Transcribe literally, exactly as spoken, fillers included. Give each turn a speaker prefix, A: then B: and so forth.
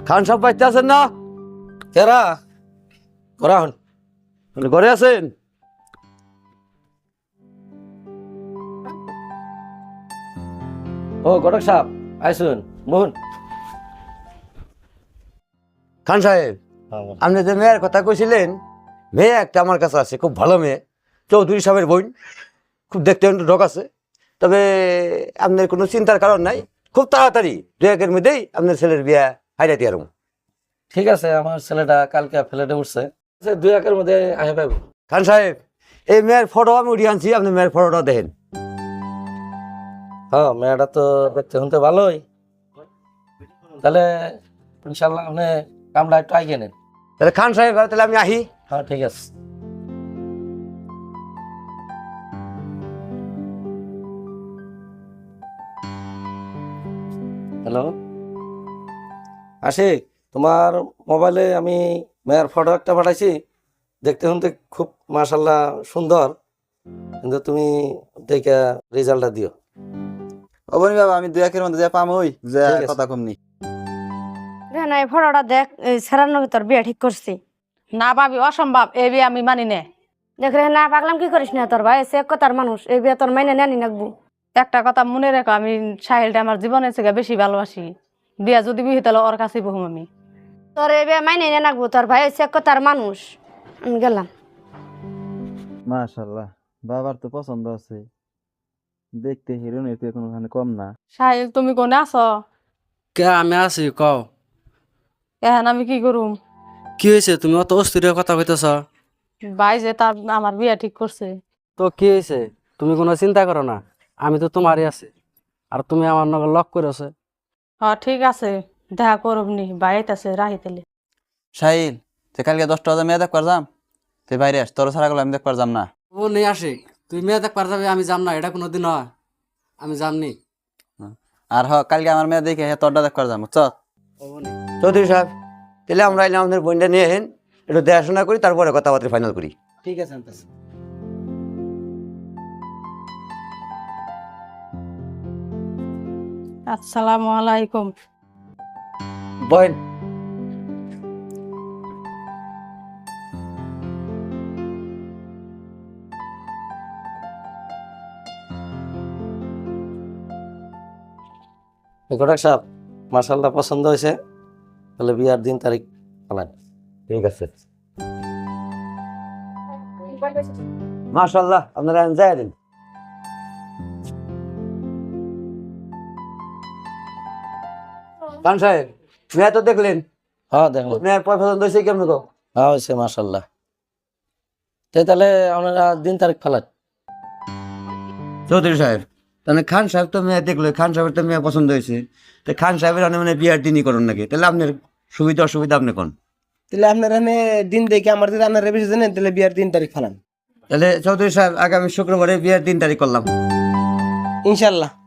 A: খান সাহেব বাড়িতে আছেন না?
B: কেরা করা হন
A: বলে, ঘরে আছেন?
B: ও ঘটক সাহেব আইসুন মোহন।
A: খান সাহেব, আপনি যে মেয়ের কথা কইছিলেন, মেয়ে একটা আমার কাছে আছে, খুব ভালো মেয়ে, চৌধুরী সাহেবের বোন, খুব দেখতে একটু ঢোক আছে। তবে আপনার কোনো চিন্তার কারণ নাই, খুব তাড়াতাড়ি দু একের মধ্যেই আপনার ছেলের বিয়া হাইরাইতে আরম।
B: ঠিক আছে, আমার ছেলেটা কালকে ফ্ল্যাটে উঠছে, দুই একের মধ্যে আহে পাইব।
A: খান সাহেব, এই মেয়ের ফটো আমি উঠিয়ে আনছি, আপনি মেয়ের ফটোটা দেখেন।
B: হ্যাঁ, মেয়েটা তো দেখতে শুনতে ভালোই, তাহলে ইনশাল্লাহ আপনি কামটা একটু আগে নেন।
A: তাহলে খান সাহেব, তাহলে আমি আহি।
B: হ্যাঁ ঠিক আছে। হ্যালো আশিক, তোমার মোবাইলে আমি মেয়ের ফটো একটা পাঠাইছি, দেখতে শুনতে খুব মাশাল্লাহ সুন্দর, কিন্তু তুমি দেখে রেজাল্টটা দিও।
C: অবনি বাবা, আমি দুই একের মধ্যে যা পাম ওই যে
B: ঠিক আছে।
C: কথা কমনি।
D: না এই ফটোটা দেখ, এই সেরানোর ভিতর বিয়ে ঠিক করছি।
E: না ভাবি, অসম্ভব, এই বিয়ে আমি মানি না।
D: দেখ রে, না পাগলাম কি করিস না, তোর ভাই সে এক কথার মানুষ, এই বিয়ে তোর মাইনে নেনি নাকবো।
E: একটা কথা মনে রেখো, আমি সাহিলটা আমার জীবনের থেকে বেশি ভালোবাসি। বিয়া যদি বিহি তাহলে ওর কাছেই বহুম আমি।
D: তোর এই বিয়ে মাইনে নে নাকবো, তোর ভাই সে এক কথার মানুষ। আমি গেলাম।
C: মাশাআল্লাহ, বাবার তো পছন্দ আছে, দেখতে হিরোইনের তো কোনোখানে কম না।
E: সাহিল, তুমি কোনে আছো?
F: কে আমি আছি কও।
E: এখন আমি কি করুম?
F: কি হয়েছে, তুমি অত অস্থির হয়ে কথা কইতেছ?
E: ভাই যে তার আমার বিয়া ঠিক করছে।
F: তো কি হয়েছে, তুমি কোনো চিন্তা করো না, আমি তো তোমারই আছি, আর তুমি আমার নগর লক করেছে।
E: হ্যাঁ ঠিক আছে, দেখা করবনি, বাইরে আছে রাহি তেলে।
C: শাহিল, তুই কালকে দশটা বাজে মেয়ে দেখবার যাম, তুই বাইরে আস, তোর ছাড়া গেলে আমি দেখবার যাম না।
F: ও নেই আসে, তুই মেয়ে দেখ পার যাবে, আমি যাম না, এটা কোনোদিন হয়, আমি যামনি।
C: আর হ, কালকে আমার মেয়ে দেখে হে তোরটা দেখবার যাম, বুঝছ?
A: চৌধুরী সাহেব, তাহলে আমরা এলাম, আপনার বোনটা নিয়ে হেন, একটু দেখাশোনা করি, তারপরে কথাবার্তা ফাইনাল করি।
F: ঠিক আছে আনতেছি।
E: আসসালামু আলাইকুম।
A: বহেন।
B: ঘটক সাহেব, মাশাল্লাহ পছন্দ হয়েছে, তাহলে বিয়ার দিন তারিখ পালান।
A: ঠিক আছে, মাশাআল্লাহ, আপনারা যাই দিন। খান সাহেব, মেয়ে তো দেখলেন,
B: হ্যাঁ দেখলাম,
A: মেয়ের পছন্দ হয়েছে কেমন গো?
B: হ্যাঁ হয়েছে মাশাল্লাহ। তো তাহলে আপনারা দিন তারিখ ফালান।
A: চৌধুরী সাহেব, তাহলে খান সাহেব তো মেয়ে দেখলো, খান সাহেবের তো মেয়ে পছন্দ হয়েছে, তো খান সাহেবের অনেক মানে বিয়ার দিনই করুন নাকি, তাহলে আপনার সুবিধা অসুবিধা আপনি কোন?
G: তাহলে আপনার এখানে দিন দেখে আমার যদি আপনারা বেশি জানেন তাহলে বিয়ার দিন তারিখ ফালান
A: তাহলে চৌধুরী সাহেব, আগামী শুক্রবারে বিয়ার দিন তারিখ করলাম।
G: ইনশাল্লাহ।